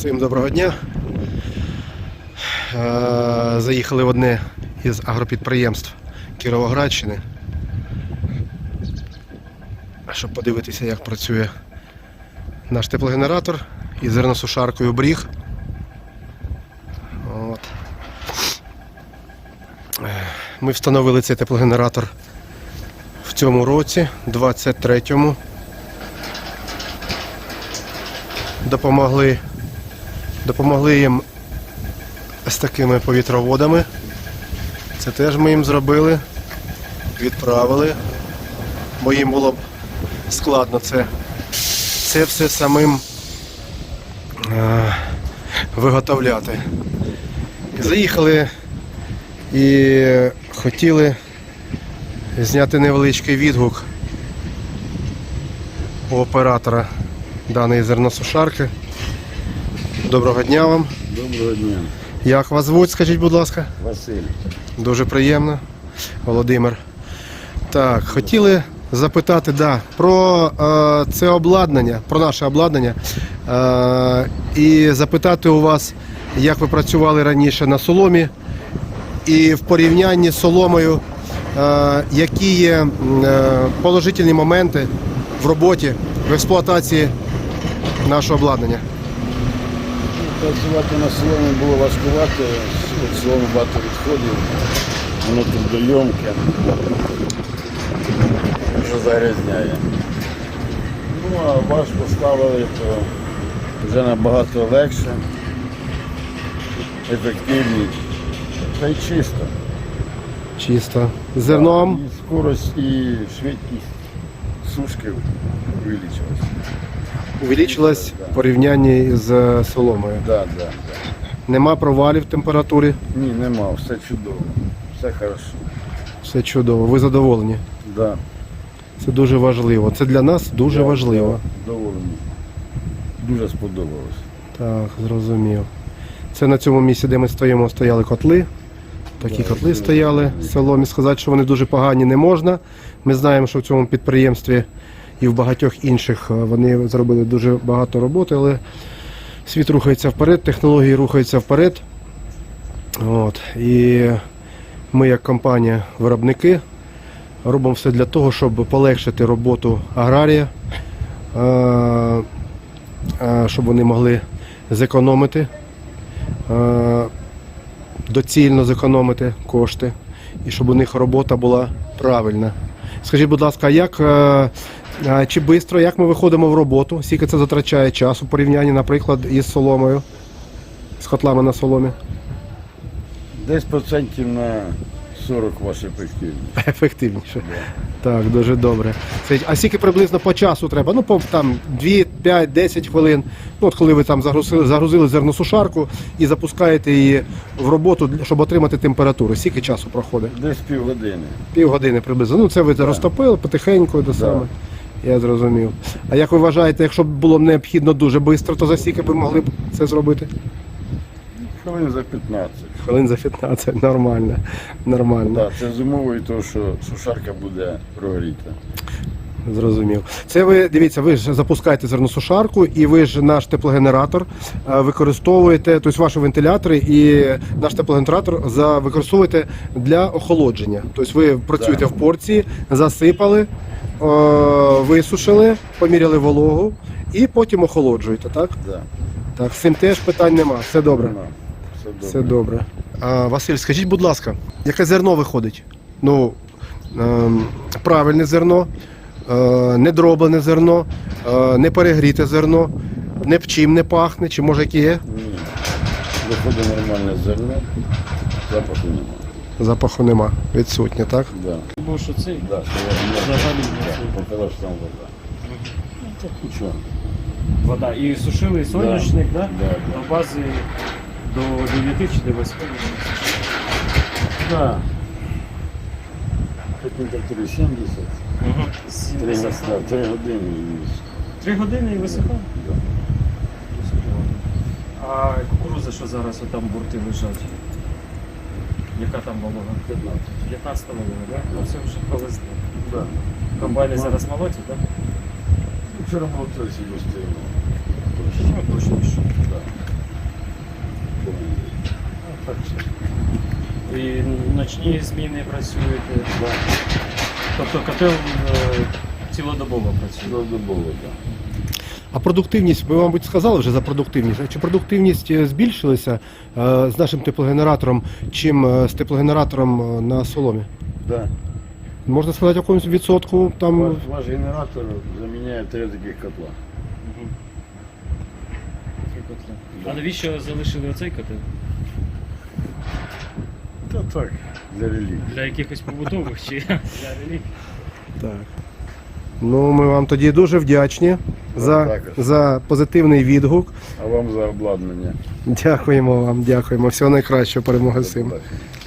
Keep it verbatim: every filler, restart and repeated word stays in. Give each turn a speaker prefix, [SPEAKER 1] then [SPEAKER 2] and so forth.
[SPEAKER 1] Всім доброго дня. Заїхали в одне із агропідприємств Кіровоградщини, щоб подивитися, як працює наш теплогенератор із зерносушаркою Бріг. От. Ми встановили цей теплогенератор в цьому році, двадцять третьому. Допомогли, допомогли їм з такими повітроводами. Це теж ми їм зробили, відправили, бо їм було б складно це, це все самим е, виготовляти. Заїхали і хотіли зняти невеличкий відгук у оператора даної зерносушарки. Доброго дня вам.
[SPEAKER 2] Доброго дня.
[SPEAKER 1] Як вас звуть, скажіть, будь ласка?
[SPEAKER 2] Василь.
[SPEAKER 1] Дуже приємно. Володимир. Так, хотіли запитати, да, про е, це обладнання, про наше обладнання. Е, і запитати у вас, як ви працювали раніше на соломі, і в порівнянні з соломою, е, які є е, положительні моменти в роботі, в експлуатації нашого обладнання.
[SPEAKER 2] Працювати на соломі було важкувати, від соломи багато відходів, воно трудойомке, що загрязняє. Ну, а ваш поставили, то вже набагато легше, ефективніше, та й чисто.
[SPEAKER 1] Чисто. З зерном.
[SPEAKER 2] І скорость, і швидкість сушки увеличилась.
[SPEAKER 1] Увеличилась в порівнянні з соломою.
[SPEAKER 2] Да, да, да.
[SPEAKER 1] Нема провалів в температурі.
[SPEAKER 2] Ні, нема, все чудово, все хорошо.
[SPEAKER 1] Все чудово. Ви задоволені?
[SPEAKER 2] Да.
[SPEAKER 1] Це дуже важливо. Це для нас дуже
[SPEAKER 2] Я
[SPEAKER 1] важливо.
[SPEAKER 2] Доволені. Дуже сподобалось.
[SPEAKER 1] Так, зрозумів. Це на цьому місці, де ми стоїмо, стояли котли. Такі
[SPEAKER 2] Да,
[SPEAKER 1] котли
[SPEAKER 2] да,
[SPEAKER 1] стояли
[SPEAKER 2] да.
[SPEAKER 1] в соломі. Сказати, що вони дуже погані, не можна. Ми знаємо, що в цьому підприємстві і в багатьох інших вони зробили дуже багато роботи, але світ рухається вперед, технології рухаються вперед. От. І ми, як компанія-виробники, робимо все для того, щоб полегшити роботу аграрія, щоб вони могли зекономити, доцільно зекономити кошти, і щоб у них робота була правильна. Скажіть, будь ласка, як, чи швидко, як ми виходимо в роботу? Скільки це затрачає часу в порівнянні, наприклад, із соломою, з котлами на соломі?
[SPEAKER 2] Десь процентів на сорок ваша ефективність.
[SPEAKER 1] Ефективніше. Так, дуже добре. А скільки приблизно по часу треба? Ну, по там дві, п'ять, десять хвилин. Ну, от коли ви там загрузили, загрузили зерносушарку і запускаєте її в роботу, щоб отримати температуру. Скільки часу проходить?
[SPEAKER 2] Десь півгодини.
[SPEAKER 1] Півгодини приблизно. Ну, це ви розтопили потихеньку до саме. Я зрозумів. А як ви вважаєте, якщо б було необхідно дуже швидко, то за скільки ви могли б це зробити?
[SPEAKER 2] Хвилин за п'ятнадцять.
[SPEAKER 1] Хвилин за п'ятнадцять. Нормально. Нормально.
[SPEAKER 2] Так, це з умовою того, що сушарка буде прогріта.
[SPEAKER 1] Зрозумів. Це ви, дивіться, ви ж запускаєте зерносушарку і ви ж наш теплогенератор е, використовуєте, тобто ваші вентилятори і наш теплогенератор за, використовуєте для охолодження. Тобто ви працюєте
[SPEAKER 2] Да.
[SPEAKER 1] в порції, засипали, е, висушили, поміряли вологу і потім охолоджуєте, так?
[SPEAKER 2] Да.
[SPEAKER 1] Так, з цим теж питань нема, все добре.
[SPEAKER 2] Нема. Все добре.
[SPEAKER 1] Все добре. А, Василь, скажіть, будь ласка, яке зерно виходить? Ну, е, правильне зерно, е, не дроблене зерно, е, не перегріте зерно, не чим не пахне, чи може яке є?
[SPEAKER 2] Ні. Виходить нормальне зерно, запаху немає.
[SPEAKER 1] Запаху нема, відсутнє, так?
[SPEAKER 2] Да.
[SPEAKER 3] Бо що цей?
[SPEAKER 2] Да, що я
[SPEAKER 3] Взагалі
[SPEAKER 2] да, показав, що там вода. Ну, це нічого.
[SPEAKER 3] вода. І сушили соняшник, да?
[SPEAKER 2] Да, да.
[SPEAKER 3] На базі до дев'яти чи до восьми.
[SPEAKER 2] Да. Температури сімдесят.
[SPEAKER 3] Угу.
[SPEAKER 2] Три, да, три години і
[SPEAKER 3] Три години і висихає.
[SPEAKER 2] да.
[SPEAKER 3] А кукурудза, що зараз отам бурти лежать? Яка там волога?
[SPEAKER 2] п'ятнадцять.
[SPEAKER 3] п'ятнадцята волога, так? Ну це вже повезли.
[SPEAKER 2] Да.
[SPEAKER 3] Комбайни зараз молотять, так?
[SPEAKER 2] Вчора було тридцять гостей.
[SPEAKER 3] Ну, точніше.
[SPEAKER 2] Да.
[SPEAKER 3] нічні зміни працюєте. Тобто котел е, цілодобово працює.
[SPEAKER 2] Цілодобово, так.
[SPEAKER 1] А продуктивність, ви, мабуть, сказали вже за продуктивність. А чи продуктивність е, збільшилася е, з нашим теплогенератором, чим е, з теплогенератором е, на соломі?
[SPEAKER 2] Да.
[SPEAKER 1] Можна сказати, в якомусь відсотку там.
[SPEAKER 2] Ваш, ваш генератор заміняє три таких котла.
[SPEAKER 3] Мгм. Три котли. А навіщо залишили оцей котел?
[SPEAKER 2] Та так, для релігії.
[SPEAKER 3] Для якихось побутових чи для релігій?
[SPEAKER 1] Так. Ну, ми вам тоді дуже вдячні за,
[SPEAKER 2] також.
[SPEAKER 1] за позитивний відгук.
[SPEAKER 2] А вам за обладнання.
[SPEAKER 1] Дякуємо вам, дякуємо. Всього найкращого, перемоги всім.
[SPEAKER 2] До побачення.